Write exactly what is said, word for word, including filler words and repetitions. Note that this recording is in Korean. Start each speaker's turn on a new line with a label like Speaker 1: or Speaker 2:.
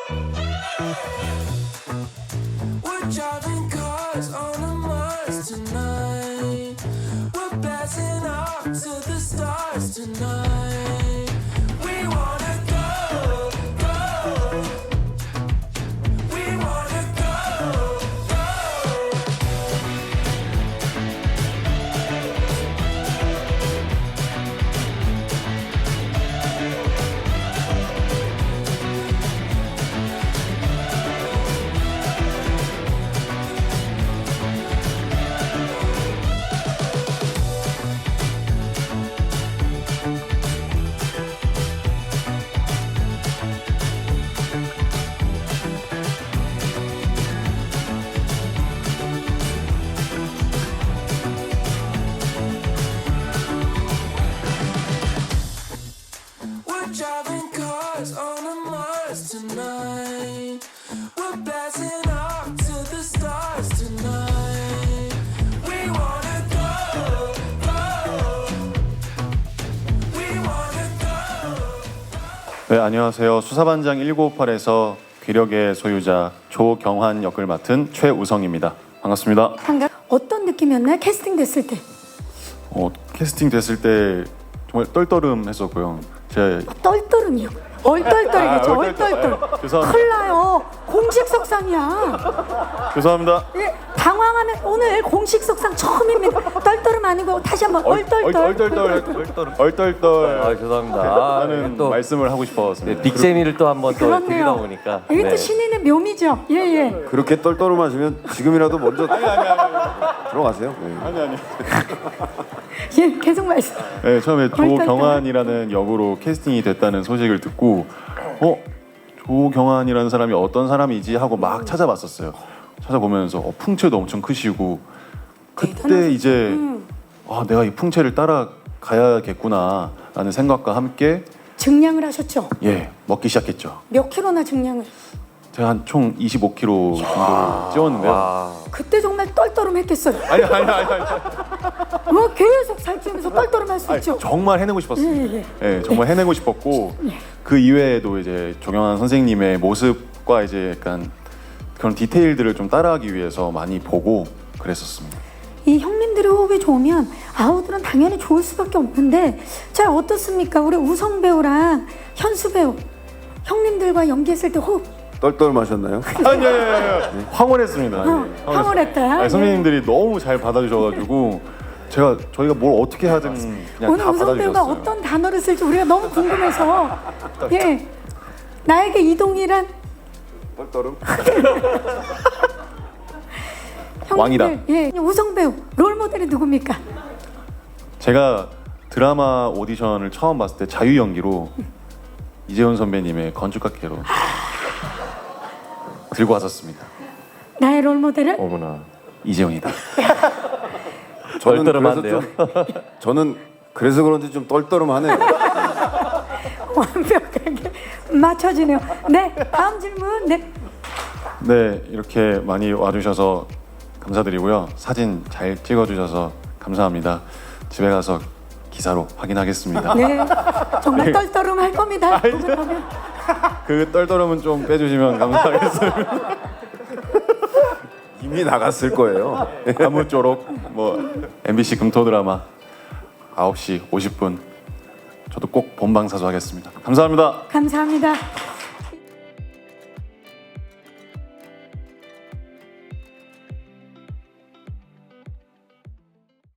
Speaker 1: We're driving cars on a Mars tonight. We're blasting off to the stars tonight. We wanna go, go. We wanna go, go. We're driving cars on a Mars tonight. We're blasting off to the stars tonight. We wanna go, go. We wanna go.
Speaker 2: 네, 안녕하세요. 수사반장 천구백오십팔에서 귀력의 소유자 조경환 역을 맡은 최우성입니다. 반갑습니다.
Speaker 3: 반갑. 어떤 느낌이었나요? 캐스팅 됐을 때.
Speaker 2: 어, 캐스팅 됐을 때 정말 떨떠름했었고요. 제가
Speaker 3: 떨떠름이요. 얼떨떨이겠죠.
Speaker 2: 아, 얼떨떨.
Speaker 3: 얼떨떨.
Speaker 2: 아, 죄송합니다.
Speaker 3: 큰일 나요. 공식 석상이야.
Speaker 2: 죄송합니다.
Speaker 3: 예, 당황하면 오늘 공식 석상 처음입니다. 떨떠름 아니고 다시 한번 얼떨떨.
Speaker 2: 얼떨떨 얼떨떨 얼떨떨
Speaker 4: 아, 죄송합니다. 아,
Speaker 2: 하는
Speaker 4: 또
Speaker 2: 말씀을 하고 싶었습니다.
Speaker 4: 네, 빅재미를 또 한번 또 드리다
Speaker 3: 그렇네요.
Speaker 4: 보니까
Speaker 3: 이게
Speaker 4: 네.
Speaker 3: 또 신인의 묘미죠. 예, 예.
Speaker 5: 그렇게 떨떠름하시면 지금이라도 먼저 들어가세요. 네.
Speaker 2: 아니 아니.
Speaker 3: 예, 계속 말씀.
Speaker 2: 네, 처음에
Speaker 3: 얼떨떨.
Speaker 2: 조경환이라는 역으로 캐스팅이 됐다는 소식을 듣고 어? 조경환이라는 사람이 어떤 사람이지 하고 막 찾아봤었어요. 찾아보면서 어, 풍채도 엄청 크시고 그때
Speaker 3: 대단하시죠.
Speaker 2: 이제
Speaker 3: 음.
Speaker 2: 아, 내가 이 풍채를 따라가야겠구나 라는 생각과 함께
Speaker 3: 증량을 하셨죠.
Speaker 2: 예, 먹기 시작했죠.
Speaker 3: 몇 킬로나 증량을.
Speaker 2: 제가 한 총 이십오 킬로그램 정도 찌웠는데요.
Speaker 4: 와,
Speaker 3: 그때 정말 떨떠름했겠어요.
Speaker 2: 아니 아니 아니 아니.
Speaker 3: 뭐 계속 살찌면서 떨떠름할 수
Speaker 2: 아니,
Speaker 3: 있죠.
Speaker 2: 정말 해내고 싶었습니다.
Speaker 3: 예,
Speaker 2: 예, 정말 해내고 싶었고 그 이외에도 이제 조경환 선생님의 모습과 이제 약간 그런 디테일들을 좀 따라하기 위해서 많이 보고 그랬었습니다.
Speaker 3: 이 형님들의 호흡이 좋으면 아우들은 당연히 좋을 수밖에 없는데 자 어떻습니까? 우리 우성 배우랑 현수 배우 형님들과 연기했을 때 호흡
Speaker 5: 떨떠름하셨나요?
Speaker 2: 아니, 아니, 아니, 아니. 황홀했습니다.
Speaker 3: 어, 황홀했다.
Speaker 2: 아니,
Speaker 3: 예.
Speaker 2: 선배님들이 너무 잘 받아주셔가지고 제가 저희가 뭘 어떻게 하든 그냥
Speaker 3: 오늘
Speaker 2: 다
Speaker 3: 우성 배우가
Speaker 2: 받아주셨어요.
Speaker 3: 어떤 단어를 쓸지 우리가 너무 궁금해서 예 나에게 이동이란
Speaker 5: 떨떠름?
Speaker 3: 형님들,
Speaker 2: 왕이다.
Speaker 3: 예 우성 배우 롤 모델이 누굽니까?
Speaker 2: 제가 드라마 오디션을 처음 봤을 때 자유 연기로 이재훈 선배님의 건축학개로 들고 왔었습니다.
Speaker 3: 나의 롤 모델은
Speaker 4: 어머나.
Speaker 2: 이재훈이다.
Speaker 5: 저는
Speaker 4: 떨떠름한데요?
Speaker 5: 그래서 좀- 저는 그래서 그런지 좀 떨떠름하네요.
Speaker 3: 완벽하게 맞춰지네요. 네 다음 질문 네.
Speaker 2: 네, 이렇게 많이 와주셔서 감사드리고요. 사진 잘 찍어주셔서 감사합니다. 집에 가서 기사로 확인하겠습니다.
Speaker 3: 네, 정말 떨떠름 할 겁니다.
Speaker 2: 그 떨떠름은 좀 빼주시면 감사하겠습니다.
Speaker 5: 이미 나갔을 거예요.
Speaker 2: 아무쪼록 뭐 엠비씨 금토 드라마 아홉 시 오십 분 저도 꼭 본방사수 하겠습니다. 감사합니다.
Speaker 3: 감사합니다.